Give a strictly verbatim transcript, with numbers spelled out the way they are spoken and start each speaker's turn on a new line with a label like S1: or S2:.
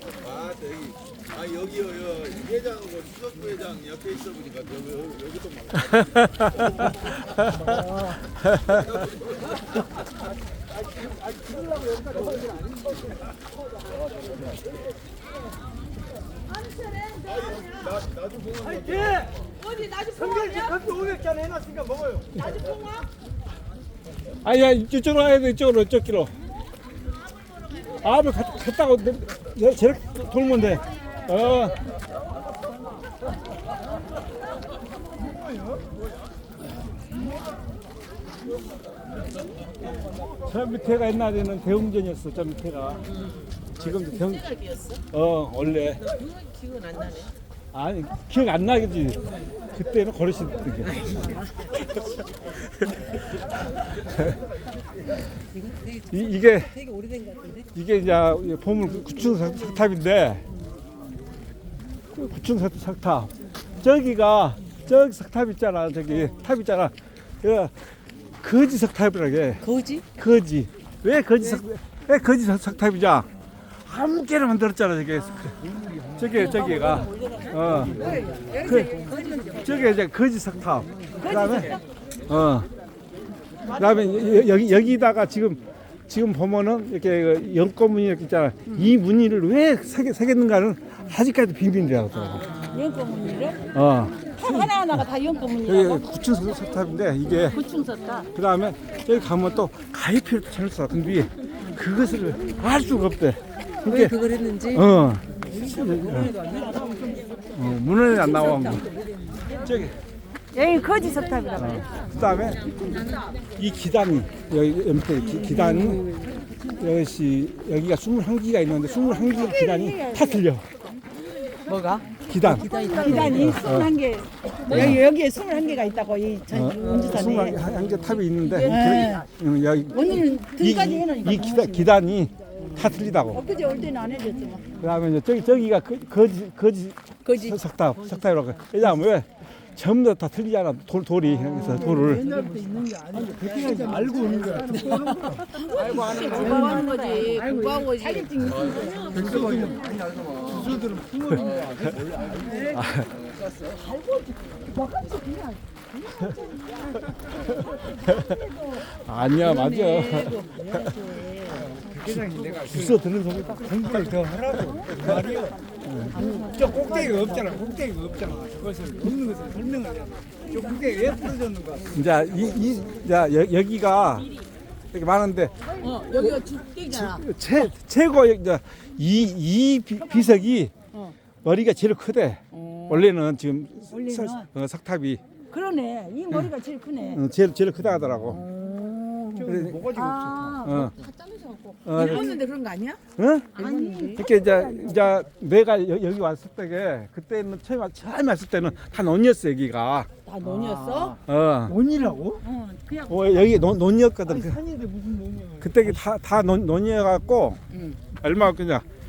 S1: 아 저기 아 여기요 여 회장하고 수석부 회장 옆에 있어 보니까 여기 여기 여기도 막. 나도 보면
S2: 화이팅!
S3: 어디 나주
S2: 성경지
S3: 봉화야?
S2: 커피 오백 잔 해놨으니까 먹어요.
S3: 나주 봉화?
S4: 아야 이쪽으로 와야 돼. 이쪽으로 이쪽 길로. 아뭐 갔다가 저렇게 돌면 돼. 어. 저 밑에가 옛날에는 대웅전이었어. 저 밑에가. 지금도 대웅. 어 원래.
S3: 기억은 안 나네.
S4: 아니 기억 안 나겠지. 그때는 걸으시던 게. 이, 이게
S3: 되게 오래된 것 같은데?
S4: 이게 이제 보물 구층 석탑인데 구층 석탑 저기가 저기 석탑 있잖아. 저기 탑 있잖아. 그 거지 석탑이라게.
S3: 거지?
S4: 거지. 왜 거지 석? 왜 거지 석- 석탑이냐? 함께를 만들었잖아. 저게 저게 저기가 어. 그 저게 이제 거지 석탑. 그다음에 어. 그다음에 여- 여기 여기다가 지금 지금 보면은 이렇게 그 연꽃무늬 이렇게 있잖아. 이 무늬를 왜 새겼, 새겼는가는 아직까지 비밀이라고 하더라고.
S3: 연꽃무늬를?
S4: 어.
S3: 탑 하나하나가 다 연꽃무늬라고?
S4: 여기 구층 석탑인데 이게
S3: 구충석탑.
S4: 그다음에 저기 가면 또 가위피를 또 찾았어. 근데 그것을 알 수가 없대.
S3: 왜 그걸 했는지?
S4: 어. 어, 문헌에 안 나와. 뭐. 저기
S3: 여기 거지 석탑이라고.
S4: 어. 그다음에 이 기단이 여기 옆에 기, 기단이 여기 여기가 스물한 기가 있는데 스물한 기 기단이 다 틀려.
S3: 뭐가?
S4: 기단.
S3: 기단이 스물한 개. 여기 여기에 스물한 개가 있다고 이 전 운주산에.
S4: 스물한 개 탑이 있는데
S3: 네.
S4: 그, 음, 여기
S3: 오늘은
S4: 이,
S3: 등까지 해놓으니까.
S4: 이 기단, 기단이 다 틀리다고.
S3: 엊그제 올 때는 안 해줬지만.
S4: 그다음에 이제 저기 저기가 거, 거지 거지
S3: 거지.
S4: 석탑 석탑이라고. 왜냐하면 왜 전부 다 틀리잖아. 돌 돌이 그래서 돌을.
S2: 옛날부터 있는 게 아니고 백기는 알고 오는 거야.
S3: 공부하는 거지. 공부한 거지.
S2: 백성들은 많이 알더만. 주술들은 풍어입니다.
S4: 아니야 맞아.
S2: 회장님 내가
S4: 주워 듣는 소리다.
S2: 공부를 더 하라고 말이요. 저 꼭대기가 없잖아. 꼭대기가 없잖아. 그것을 묻는 것을 설명을 해야 돼. 저 꼭대기 왜 풀어졌는가?
S4: 이제 이, 이 자, 여, 여기가 이렇게 많은데
S3: 어, 여기가 죽대기잖아.
S4: 최 최고 이제 이, 이 비, 비석이
S3: 어.
S4: 머리가 제일 크대. 원래는 지금
S3: 원래는?
S4: 석, 어, 석탑이
S3: 그러네. 이 머리가 제일 크네.
S4: 어, 제일 제일 크다 하더라고.
S2: 저
S4: 그래.
S2: 뭐가지고 없어.
S4: 어. 어,
S3: 일본인데 그런 거 아니야?
S4: 응?
S3: 아니.
S4: 이렇게 이제 이제 내가 여, 여기 왔을 때게 그때는 처음 왔- 처음 왔을 때는 다 논이었어 여기가.
S3: 다 논이었어?
S4: 어.
S2: 논이라고?
S3: 어, 그냥.
S4: 어 여기 논, 논이었거든.
S2: 아니
S4: 그-
S2: 산인데 무슨 논이야?
S4: 그때 다다 논, 논이어갖고
S3: 응.
S4: 얼마 그냥